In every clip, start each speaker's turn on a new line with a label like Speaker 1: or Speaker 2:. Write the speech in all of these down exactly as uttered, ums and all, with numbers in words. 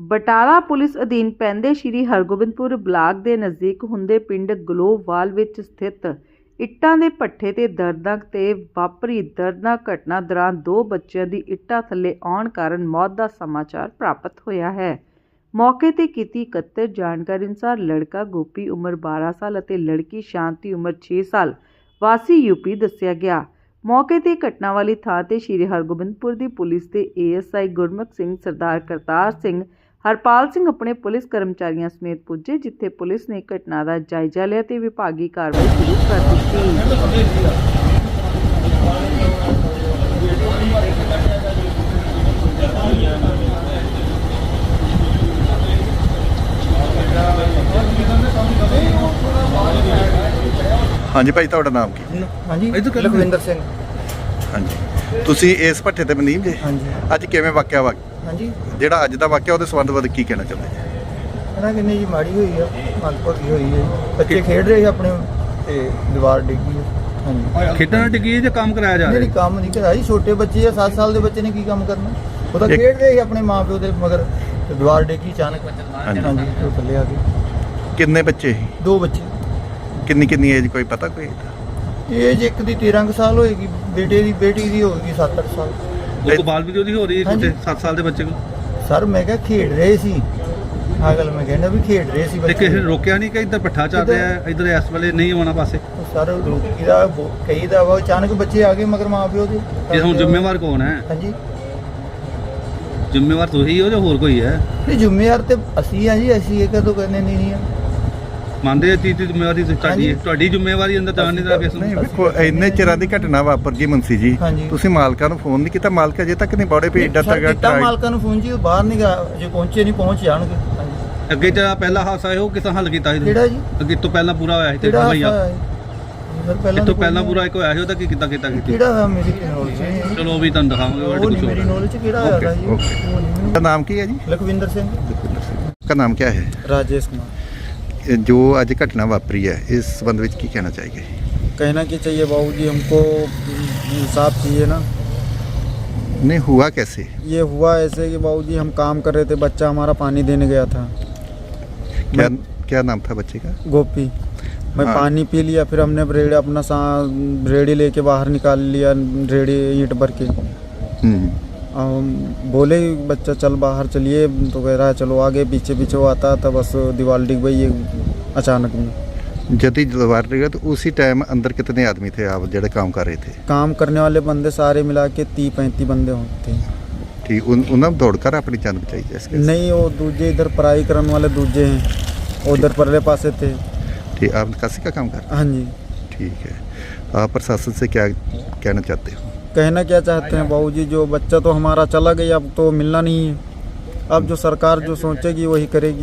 Speaker 1: Batala police ਅਧੀਨ ਪੈਂਦੇ ਸ਼੍ਰੀ Hargobindpur block ਦੇ ਨਜ਼ਦੀਕ ਹੁੰਦੇ ਪਿੰਡ ਗਲੋਵਾਲ ਵਿੱਚ ਸਥਿਤ ਇੱਟਾਂ ਦੇ ਭੱਠੇ ਤੇ ਦਰਦਨਾਕ ਤੇ ਵਾਪਰੀ ਦਰਦਨਾਕ ਘਟਨਾ ਦੌਰਾਨ ਦੋ ਬੱਚਿਆਂ ਦੀ ਇੱਟਾਂ ਥੱਲੇ ਆਉਣ ਕਾਰਨ ਮੌਤ ਦਾ ਸਮਾਚਾਰ ਪ੍ਰਾਪਤ ਹੋਇਆ ਹੈ। ਮੌਕੇ ਤੇ ਕੀਤੀ ਇਕੱਤਰ ਜਾਣਕਾਰੀ ਅਨੁਸਾਰ ਲੜਕਾ ਗੋਪੀ ਉਮਰ ਬਾਰਾਂ ਸਾਲ ਅਤੇ ਲੜਕੀ ਸ਼ਾਂਤੀ ਉਮਰ ਛੇ ਸਾਲ ਵਾਸੀ ਯੂਪੀ ਦੱਸਿਆ ਗਿਆ। मौके ते घटना वाली थां ते श्री हरगोबिंदपुर दी पुलिस के A S I Gurmukh Singh, Sardar Kartar Singh, Harpal Singh अपने पुलिस कर्मचारियों समेत पुजे, जिथे पुलिस ने घटना का जायजा लिया ते विभागी कार्रवाई शुरू कर दी।
Speaker 2: हाँ जी भाई, तुहाडा नाम की?
Speaker 3: हाँ जी, लखविंदर सिंह।
Speaker 2: हाँ जी, तुसी इस भट्ठे ते मनीम जे?
Speaker 3: हाँ जी।
Speaker 2: अज किवें वाकिया वा
Speaker 3: हाँ जी,
Speaker 2: जेड़ा अज दा वाकिया उहदे संबंध विच की कहना चाहुंदे जी?
Speaker 3: कहना किन्नी जी माड़ी हुई है, मंदभागी हुई है। बच्चे खेड रहे अपने ते दीवार डिग्गी है। हाँ जी,
Speaker 4: खेडना डिग्गी है जो काम कराया जा रहा
Speaker 3: नहीं काम नहीं कराया जी। छोटे बच्चे है, सात साल के बच्चे ने की काम करना। वो तो खेड रहे अपने माँ प्यो दे मगर दीवार डिग्गी अचानक। हाँ जी, तो थल्ले आ गए।
Speaker 2: किन्ने बच्चे ही?
Speaker 3: दो बच्चे।
Speaker 2: किन्नी किन्नी एज कोई पता कोई?
Speaker 3: एज एक दी तेरह क साल होएगी, बेटे दी बेटी दी होएगी सात आठ साल।
Speaker 4: वो तो बाल वीडियो दी हो रही है
Speaker 3: हाँ
Speaker 4: छोटे
Speaker 3: जी।
Speaker 4: सात साल के बच्चे को।
Speaker 3: सर मैं क्या खेड रहे सी, हाँ गल मैं कहना भी खेड रहे सी
Speaker 4: ते
Speaker 3: बच्चे।
Speaker 4: किसी ने रोकया नहीं कि इधर भट्ठा चल रहा है, इधर इस वाले नहीं होना पासे?
Speaker 3: सर रोकी दा कई दा वा अचानक बच्चे आ गए मगर माँ प्यो दे।
Speaker 4: ये हुण जिम्मेवार कौन है?
Speaker 3: हाँ जी,
Speaker 4: जिम्मेवार तुही हो जो होर कोई है?
Speaker 3: नहीं जिम्मेवार ते असी हैं जी, असी ये कदों करने नहीं है।
Speaker 4: ਮੰਨਦੇ ਚੀਜ਼ ਦੀ ਜ਼ਿੰਮੇਵਾਰੀ ਤੁਹਾਡੀ ਹੈ, ਤੁਹਾਡੀ ਜ਼ਿੰਮੇਵਾਰੀ ਅੰਦਰ ਜਾਣ ਨਹੀਂ ਦਾ ਕਿਸ
Speaker 2: ਨਹੀਂ
Speaker 4: ਨੂੰ?
Speaker 2: ਵੇਖੋ, ਇੰਨੇ ਚਿਰਾਂ ਦੀ ਘਟਨਾ ਵਾਪਰ ਗਈ ਮੁੰਸੀ ਜੀ,
Speaker 3: ਹਾਂਜੀ।
Speaker 2: ਤੁਸੀਂ ਮਾਲਕਾਂ ਨੂੰ ਫੋਨ ਨਹੀਂ ਕੀਤਾ? ਮਾਲਕ ਅਜੇ ਤੱਕ ਨਹੀਂ ਬੜੇ ਵੀ ਏਡਾ
Speaker 3: ਸਰ
Speaker 2: ਤੱਕ
Speaker 3: ਕੀਤਾ ਮਾਲਕਾਂ ਨੂੰ ਫੋਨ ਜੀ, ਉਹ ਬਾਹਰ ਨਹੀਂ ਗਿਆ, ਜੇ ਪਹੁੰਚੇ ਨਹੀਂ ਪਹੁੰਚ ਜਾਣਗੇ। ਹਾਂਜੀ।
Speaker 4: ਅੱਗੇ ਜਿਹੜਾ ਪਹਿਲਾ ਹਾਦਸਾ ਹੈ ਉਹ ਕਿਸਾਂ ਹੱਲ ਕੀਤਾ ਸੀ?
Speaker 3: ਕਿਹੜਾ ਜੀ?
Speaker 4: ਅੱਗੇ ਤੋਂ ਪਹਿਲਾਂ ਪੂਰਾ ਹੋਇਆ ਸੀ ਤੇ
Speaker 3: ਕਿਹੜਾ
Speaker 4: ਭਈਆ
Speaker 3: ਹਾਦਸਾ ਹੈ? ਸਰ ਪਹਿਲਾਂ
Speaker 4: ਇਸ ਤੋਂ
Speaker 3: ਤਾਂ
Speaker 4: ਪਹਿਲਾਂ
Speaker 3: ਕੋਈ
Speaker 4: ਪੂਰਾ ਇੱਕ ਹੋਇਆ ਸੀ, ਉਹਦਾ ਕੀ ਕੀਤਾ ਕੀਤਾ ਕੀਤੀ?
Speaker 3: ਕਿਹੜਾ ਹੋਇਆ ਮੇਰੀ ਨੌਲੇਜ ਨਹੀਂ।
Speaker 4: ਚਲੋ ਉਹ ਵੀ ਤੁਹਾਨੂੰ ਦਿਖਾਵਾਂਗੇ
Speaker 3: ਉਹ
Speaker 4: ਉਹਦੇ
Speaker 3: ਨਹੀਂ
Speaker 4: ਕੁਝ
Speaker 3: ਮੇਰੀ
Speaker 4: ਹੋਰ।
Speaker 3: ਨੌਲੇਜ ਚ ਕਿਹੜਾ ਹੋਇਆ ਤਾ ਜੀ।
Speaker 2: Okay, okay.
Speaker 3: ਉਹ ਨਹੀਂ
Speaker 2: का नाम की है जी?
Speaker 3: ਲਖਵਿੰਦਰ ਸਿੰਘ।
Speaker 2: का नाम क्या है?
Speaker 3: राजेश कुमार।
Speaker 2: जो आज घटना वापरी है इस संबंध में की कहना चाहिए?
Speaker 3: कहना क्या चाहिए बाबूजी, हमको इंसाफ चाहिए ना।
Speaker 2: नहीं हुआ कैसे?
Speaker 3: ये हुआ ऐसे कि बाबूजी हम काम कर रहे थे, बच्चा हमारा पानी देने गया था।
Speaker 2: क्या क्या नाम था बच्चे का?
Speaker 3: गोपी। मैं
Speaker 2: हाँ।
Speaker 3: पानी पी लिया, फिर हमने रेड़ी अपना सा रेड़ी लेके बाहर निकाल लिया, रेड़ी ईंट भर के।
Speaker 2: हम्म।
Speaker 3: हम बोले बच्चा चल बाहर चलिए, तो कह रहा है चलो आगे। पीछे पीछे वो आता था, बस दीवार डिग गई अचानक में।
Speaker 2: जब दीवार लगा तो उसी टाइम अंदर कितने आदमी थे आप जो काम कर रहे थे?
Speaker 3: काम करने वाले बंदे सारे मिला के तीस पैंतीस बंदे होते हैं।
Speaker 2: ठीक, उन उन्होंने दौड़कर अपनी जान बचाई जैसे?
Speaker 3: नहीं, वो दूजे इधर पढ़ाई करने वाले दूजे हैं, उधर परले पासे थे।
Speaker 2: ठीक, आप निकासी का काम कर रहे
Speaker 3: हाँ जी।
Speaker 2: हैं? ठीक है, आप प्रशासन से क्या कहना चाहते हो?
Speaker 3: कहना क्या चाहते हैं बाबूजी, जो बच्चा तो हमारा चला गया, अब तो मिलना नहीं है। अब जो सरकार जो सोचेगी वही करेगी।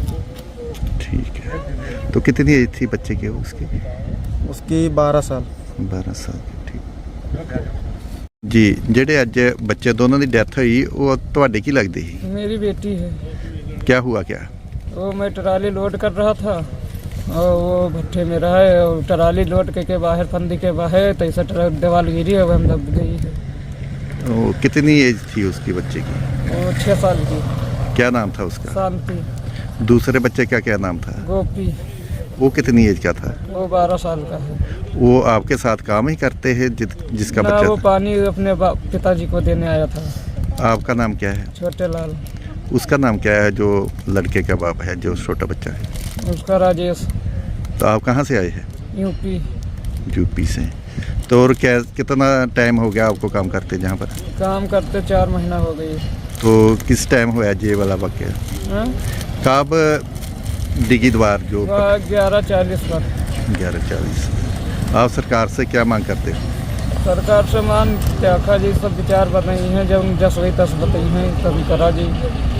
Speaker 2: ठीक है, तो कितनी एज थी बच्चे की उसकी?
Speaker 3: उसकी बारह साल।
Speaker 2: बारह साल की। ठीक जी, ਜਿਹੜੇ ਅੱਜ ਬੱਚੇ ਦੋਨੋਂ ਦੀ ਡੈਥ ਹੋਈ ਉਹ ਤੁਹਾਡੇ ਕੀ ਲੱਗਦੀ ਸੀ?
Speaker 5: मेरी बेटी है।
Speaker 2: क्या हुआ क्या?
Speaker 5: वो मैं ट्राली लोड कर रहा था और वो भट्ठे में रहा है, और ट्राली लोड के, के बाहर फंदी के बाहर तो ऐसा ट्रक दीवार गिरी है, वो हम दब गई है।
Speaker 2: वो कितनी एज थी उसकी बच्चे की?
Speaker 5: वो छः साल की।
Speaker 2: क्या नाम था उसका?
Speaker 5: शांति।
Speaker 2: दूसरे बच्चे का क्या नाम था?
Speaker 5: गोपी।
Speaker 2: वो कितनी एज का था?
Speaker 5: वो बारह साल का है।
Speaker 2: वो आपके साथ काम ही करते हैं जित, जिसका
Speaker 5: ना,
Speaker 2: बच्चा
Speaker 5: वो
Speaker 2: था?
Speaker 5: पानी अपने बा- पिताजी को देने आया था।
Speaker 2: आपका नाम क्या है?
Speaker 5: छोटे लाल।
Speaker 2: उसका नाम क्या है जो लड़के का बाप है जो छोटा बच्चा है?
Speaker 5: उसका राजेश।
Speaker 2: तो आप कहाँ से आए हैं?
Speaker 5: यूपी।
Speaker 2: यूपी से। तो और क्या कितना टाइम हो गया आपको काम करते जहाँ पर?
Speaker 5: काम करते चार महीना हो गई।
Speaker 2: तो किस टाइम हुआ ये वाला वाक्य?
Speaker 5: हाँ?
Speaker 2: कब डिगी द्वार जो
Speaker 5: ग्यारह चालीस पर।
Speaker 2: ग्यारह चालीस। आप सरकार से क्या मांग करते हो?
Speaker 5: सरकार से मान त्याखा जी सब विचार बताई हैं, जब जस वही तस बताई हैं तभी करा जी।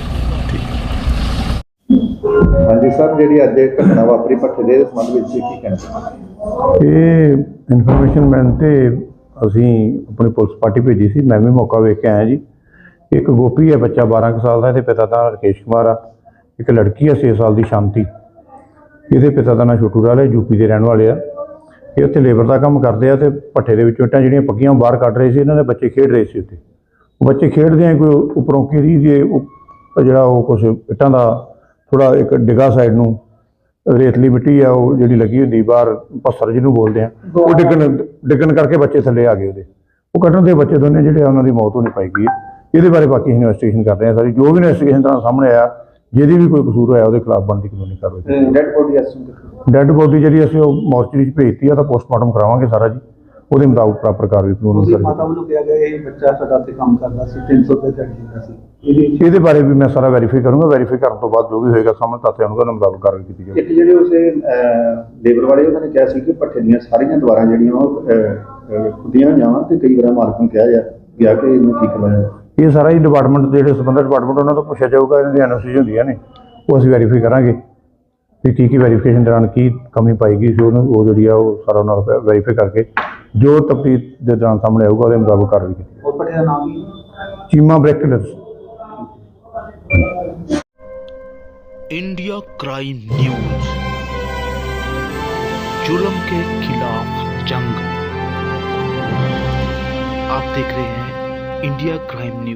Speaker 2: हाँ जी सर, जी अज घटना वापरी भट्ठे के संबंध में की कहना?
Speaker 6: ਇਹ ਇਨਫੋਰਮੇਸ਼ਨ ਮਿਲਣ ਤੇ ਅਸੀਂ ਆਪਣੀ ਪੁਲਿਸ ਪਾਰਟੀ ਭੇਜੀ ਸੀ। ਮੈਂ ਵੀ ਮੌਕਾ ਵੇਖ ਕੇ ਆਇਆ ਜੀ। ਇੱਕ ਗੋਪੀ ਹੈ ਬੱਚਾ ਬਾਰਾਂ ਕੁ ਸਾਲ ਦਾ, ਇਹਦੇ ਪਿਤਾ ਦਾ ਰਕੇਸ਼ ਕੁਮਾਰ ਆ। ਇੱਕ ਲੜਕੀ ਹੈ ਛੇ ਸਾਲ ਦੀ ਸ਼ਾਂਤੀ, ਇਹਦੇ ਪਿਤਾ ਦਾ ਨਾਂ ਛੋਟੂ ਲਾਲ ਹੈ, ਯੂਪੀ ਦੇ ਰਹਿਣ ਵਾਲੇ ਆ। ਇਹ ਉੱਥੇ ਲੇਬਰ ਦਾ ਕੰਮ ਕਰਦੇ ਆ ਤੇ ਭੱਠੇ ਦੇ ਵਿੱਚੋਂ ਇੱਟਾਂ ਜਿਹੜੀਆਂ ਪੱਕੀਆਂ ਬਾਹਰ ਕੱਢ ਰਹੇ ਸੀ। ਇਹਨਾਂ ਦੇ ਬੱਚੇ ਖੇਡ ਰਹੇ ਸੀ ਉੱਥੇ। ਉਹ ਬੱਚੇ ਖੇਡਦੇ ਆ ਕੋਈ ਉੱਪਰੋਂ ਕਿਰੀ ਦੇ ਤਾਂ ਜਿਹੜਾ ਉਹ ਕੁਛ ਇੱਟਾਂ ਦਾ ਥੋੜ੍ਹਾ ਇੱਕ ਡਿੱਗਾ ਸਾਈਡ ਨੂੰ ਰੇਤਲੀ ਮਿੱਟੀ ਆ ਉਹ ਜਿਹੜੀ ਲੱਗੀ ਹੁੰਦੀ ਬਾਹਰ ਪੱਥਰ ਜਿਹਨੂੰ ਬੋਲਦੇ ਆ, ਉਹ ਡਿੱਗਣ ਡਿੱਗਣ ਕਰਕੇ ਬੱਚੇ ਥੱਲੇ ਆ ਗਏ ਉਹਦੇ। ਉਹ ਕੱਢਣ ਦੇ ਬੱਚੇ ਦੋਨੇ ਜਿਹੜੇ ਆ ਉਹਨਾਂ ਦੀ ਮੌਤ ਹੋਣੀ ਪਾਈ ਗਈ ਹੈ। ਇਹਦੇ ਬਾਰੇ ਬਾਕੀ ਇਨਵੈਸਟੀਗੇਸ਼ਨ ਕਰ ਰਹੇ ਹਾਂ ਸਾਰੀ, ਜੋ ਵੀ ਇਨਵੈਸਟੀਗੇਸ਼ਨ ਤਰ੍ਹਾਂ ਸਾਹਮਣੇ ਆਇਆ ਜਿਹਦੀ ਵੀ ਕੋਈ ਕਸੂਰ ਹੋਇਆ ਉਹਦੇ ਖਿਲਾਫ ਬਣਦੀ ਕਾਨੂੰਨੀ ਕਾਰਵਾਈ।
Speaker 3: ਡੈਡ ਬੋਡੀ
Speaker 6: ਡੈੱਡ ਬੋਡੀ ਜਿਹੜੀ ਅਸੀਂ ਉਹ ਮੋਰਚਰੀ 'ਚ ਭੇਜਤੀ ਆ, ਤਾਂ ਪੋਸਟਮਾਰਟਮ ਕਰਾਵਾਂਗੇ ਸਾਰਾ ਜੀ, ਉਹਦੇ ਮੁਤਾਬਕ ਪ੍ਰੋਪਰ ਕਾਰਵਾਈ ਕਾਨੂੰਨੀ
Speaker 7: ਮਾਤਾ
Speaker 6: ਕਰਾਂਗੇ।
Speaker 7: ਵੱਲੋਂ ਕਿਹਾ ਗਿਆ ਇਹ ਬੱਚਾ ਸਾਡਾ ਉੱਥੇ ਕੰਮ ਕਰਦਾ ਸੀ, ਤਿੰਨ ਸੌ ਰੁਪਏ ਦਿਹਾੜੀ ਦਿੰਦਾ ਸੀ। ਇਹਦੇ
Speaker 6: ਇਹਦੇ ਬਾਰੇ ਵੀ ਮੈਂ ਸਾਰਾ ਵੈਰੀਫਾਈ ਕਰੂੰਗਾ, ਵੈਰੀਫਾਈ ਕਰਨ ਤੋਂ ਬਾਅਦ ਜੋ ਵੀ ਹੋਏਗਾ ਸਾਹਮਣੇ ਤੱਥ ਆਉਣਗੇ ਉਹਨਾਂ ਮੁਤਾਬਕ ਕਾਰਵਾਈ ਕੀਤੀ ਜਾਵੇਗੀ।
Speaker 8: ਇੱਕ ਜਿਹੜੇ ਉਸੇ ਲੇਬਰ ਵਾਲੇ ਉਹਨਾਂ ਨੇ ਕਿਹਾ ਸੀ ਕਿ ਭੱਠੇ ਦੀਆਂ ਸਾਰੀਆਂ ਦੀਵਾਰਾਂ ਜਿਹੜੀਆਂ ਉਹ ਖੁੱਡੀਆਂ ਜਾਵਾਂ ਤੇ ਕਈ ਵਾਰ ਮਾਲਕ ਨੂੰ ਕਿਹਾ ਜਾ ਗਿਆ ਕਿ ਇਹਨੂੰ ਠੀਕ ਕਰਵਾਇਆ।
Speaker 6: ਇਹ ਸਾਰਾ ਹੀ ਡਿਪਾਰਟਮੈਂਟ ਜਿਹੜੇ ਸੰਬੰਧਿਤ ਡਿਪਾਰਟਮੈਂਟ ਉਹਨਾਂ ਤੋਂ ਪੁੱਛਿਆ ਜਾਊਗਾ, ਇਹਨਾਂ ਦੀ ਐਨ ਓ ਸੀ ਹੁੰਦੀਆਂ ਨੇ ਉਹ ਅਸੀਂ ਵੈਰੀਫਾਈ ਕਰਾਂਗੇ ਵੀ ਕੀ ਕੀ ਵੈਰੀਫਿਕੇਸ਼ਨ ਦੌਰਾਨ ਕੀ ਕਮੀ ਪਾਈ ਗਈ ਸੀ, ਉਹਨੂੰ ਉਹ ਜਿਹੜੀ ਆ ਉਹ ਸਾਰਾ ਉਹਨਾਂ ਨੂੰ ਵੈਰੀਫਾਈ ਕਰਕੇ ਜੋ ਤਫਤੀਸ਼ ਦੇ ਦੌਰਾਨ ਸਾਹਮਣੇ ਆਊਗਾ ਉਹਦੇ ਮੁਤਾਬਕ ਕਾਰਵਾਈ ਕੀਤੀ
Speaker 7: ਉਹ ਭੱਠੇ ਦਾ ਨਾਮ ਕੀ?
Speaker 6: Cheema brackets.
Speaker 9: India crime news, जुल्म के खिलाफ जंग। आप देख रहे हैं इंडिया क्राइम न्यूज।